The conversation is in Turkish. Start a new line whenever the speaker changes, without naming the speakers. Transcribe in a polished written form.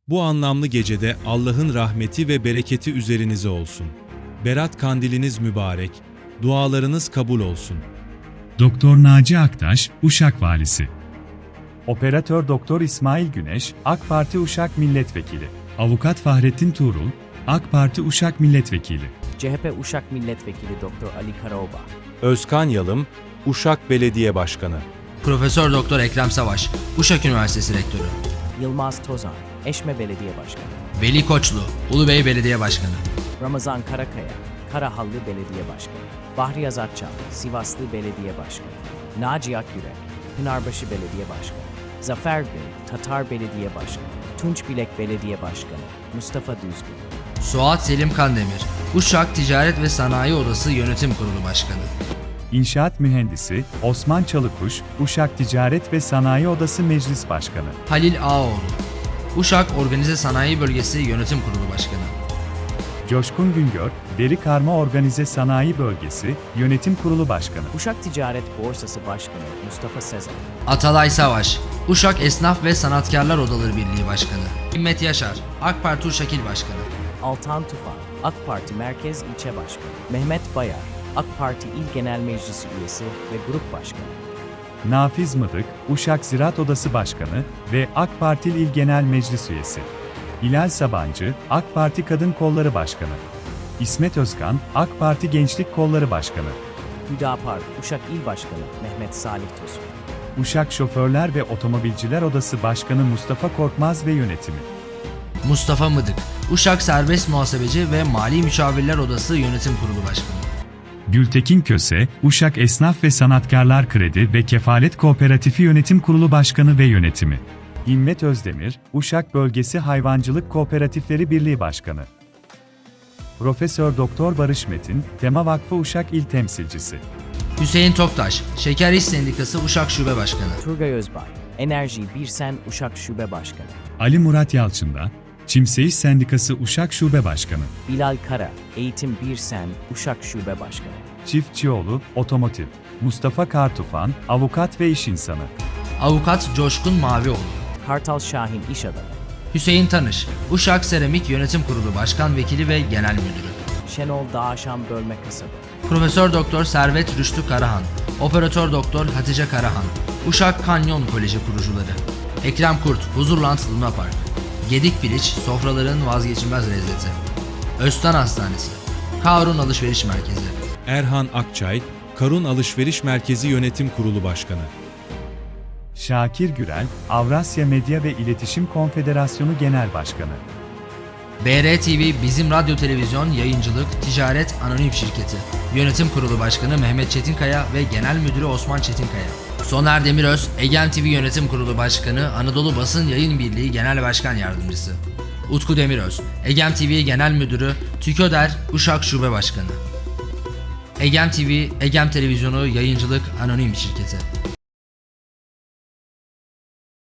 Bu anlamlı gecede Allah'ın rahmeti ve bereketi üzerinize olsun. Berat kandiliniz mübarek, dualarınız kabul olsun.
Doktor Naci Aktaş, Uşak Valisi. Operatör Doktor İsmail Güneş, AK Parti Uşak Milletvekili. Avukat Fahrettin Tuğrul, AK Parti Uşak Milletvekili.
CHP Uşak Milletvekili Dr. Ali Karaoba.
Özkan Yalım, Uşak Belediye Başkanı.
Profesör Doktor Ekrem Savaş, Uşak Üniversitesi Rektörü.
Yılmaz Tozan, Eşme Belediye Başkanı.
Veli Koçlu, Ulubey Belediye Başkanı.
Ramazan Karakaya, Karahallı Belediye Başkanı. Bahri Azatçal, Sivaslı Belediye Başkanı. Naci Akyürek, Pınarbaşı Belediye Başkanı. Zafer Bey, Tatar Belediye Başkanı. Tunç Bilek Belediye Başkanı. Mustafa Düzgün.
Suat Selim Kandemir, Uşak Ticaret ve Sanayi Odası Yönetim Kurulu Başkanı.
İnşaat Mühendisi, Osman Çalıkuş, Uşak Ticaret ve Sanayi Odası Meclis Başkanı.
Halil Ağoğlu, Uşak Organize Sanayi Bölgesi Yönetim Kurulu Başkanı.
Coşkun Güngör, Deri Karma Organize Sanayi Bölgesi Yönetim Kurulu Başkanı.
Uşak Ticaret Borsası Başkanı Mustafa Sezen.
Atalay Savaş, Uşak Esnaf ve Sanatkarlar Odaları Birliği Başkanı. Himmet Yaşar, AK Parti Uşak İl Başkanı.
Altan Tufan, AK Parti Merkez İlçe Başkanı. Mehmet Bayar, AK Parti İl Genel Meclisi Üyesi ve Grup Başkanı.
Nafiz Mıdık, Uşak Ziraat Odası Başkanı ve AK Parti İl Genel Meclis Üyesi. Hilal Sabancı, AK Parti Kadın Kolları Başkanı. İsmet Özkan, AK Parti Gençlik Kolları Başkanı.
Hüdapar, Uşak İl Başkanı Mehmet Salih Tosun.
Uşak Şoförler ve Otomobilciler Odası Başkanı Mustafa Korkmaz ve Yönetimi.
Mustafa Mıdık, Uşak Serbest Muhasebeci ve Mali Müşavirler Odası Yönetim Kurulu Başkanı.
Gültekin Köse, Uşak Esnaf ve Sanatkarlar Kredi ve Kefalet Kooperatifi Yönetim Kurulu Başkanı ve Yönetimi. İmmet Özdemir, Uşak Bölgesi Hayvancılık Kooperatifleri Birliği Başkanı. Profesör Doktor Barış Metin, Tema Vakfı Uşak İl Temsilcisi.
Hüseyin Toktaş, Şeker İş Sendikası Uşak Şube Başkanı.
Turgay Özbay, Enerji Birsen Uşak Şube Başkanı.
Ali Murat Yalçın'da, Çimseyiş Sendikası Uşak Şube Başkanı.
Bilal Kara, Eğitim Birsen Uşak Şube Başkanı.
Çiftçioğlu, Otomotiv. Mustafa Kartufan, Avukat ve İş İnsanı.
Avukat Coşkun Mavioğlu.
Kartal Şahin İş Adamı.
Hüseyin Tanış, Uşak Seramik Yönetim Kurulu Başkan Vekili ve Genel Müdürü.
Şenol Dağaşan Bölme Kasabı.
Profesör Doktor Servet Rüştü Karahan, Operatör Doktor Hatice Karahan, Uşak Kanyon Koleji kurucuları. Ekrem Kurt, Huzurland Luna Park. Gedik Piliç, sofraların vazgeçilmez lezzeti. Öztan Hastanesi, Karun Alışveriş Merkezi.
Erhan Akçay, Karun Alışveriş Merkezi Yönetim Kurulu Başkanı.
Şakir Gürel, Avrasya Medya ve İletişim Konfederasyonu Genel Başkanı.
BRTV Bizim Radyo Televizyon Yayıncılık Ticaret Anonim Şirketi. Yönetim Kurulu Başkanı Mehmet Çetinkaya ve Genel Müdürü Osman Çetinkaya. Soner Demiröz, Egem TV Yönetim Kurulu Başkanı, Anadolu Basın Yayın Birliği Genel Başkan Yardımcısı. Utku Demiröz, Egem TV Genel Müdürü, TÜKÖDER Uşak Şube Başkanı. Egem TV, Egem Televizyonu Yayıncılık Anonim Şirketi.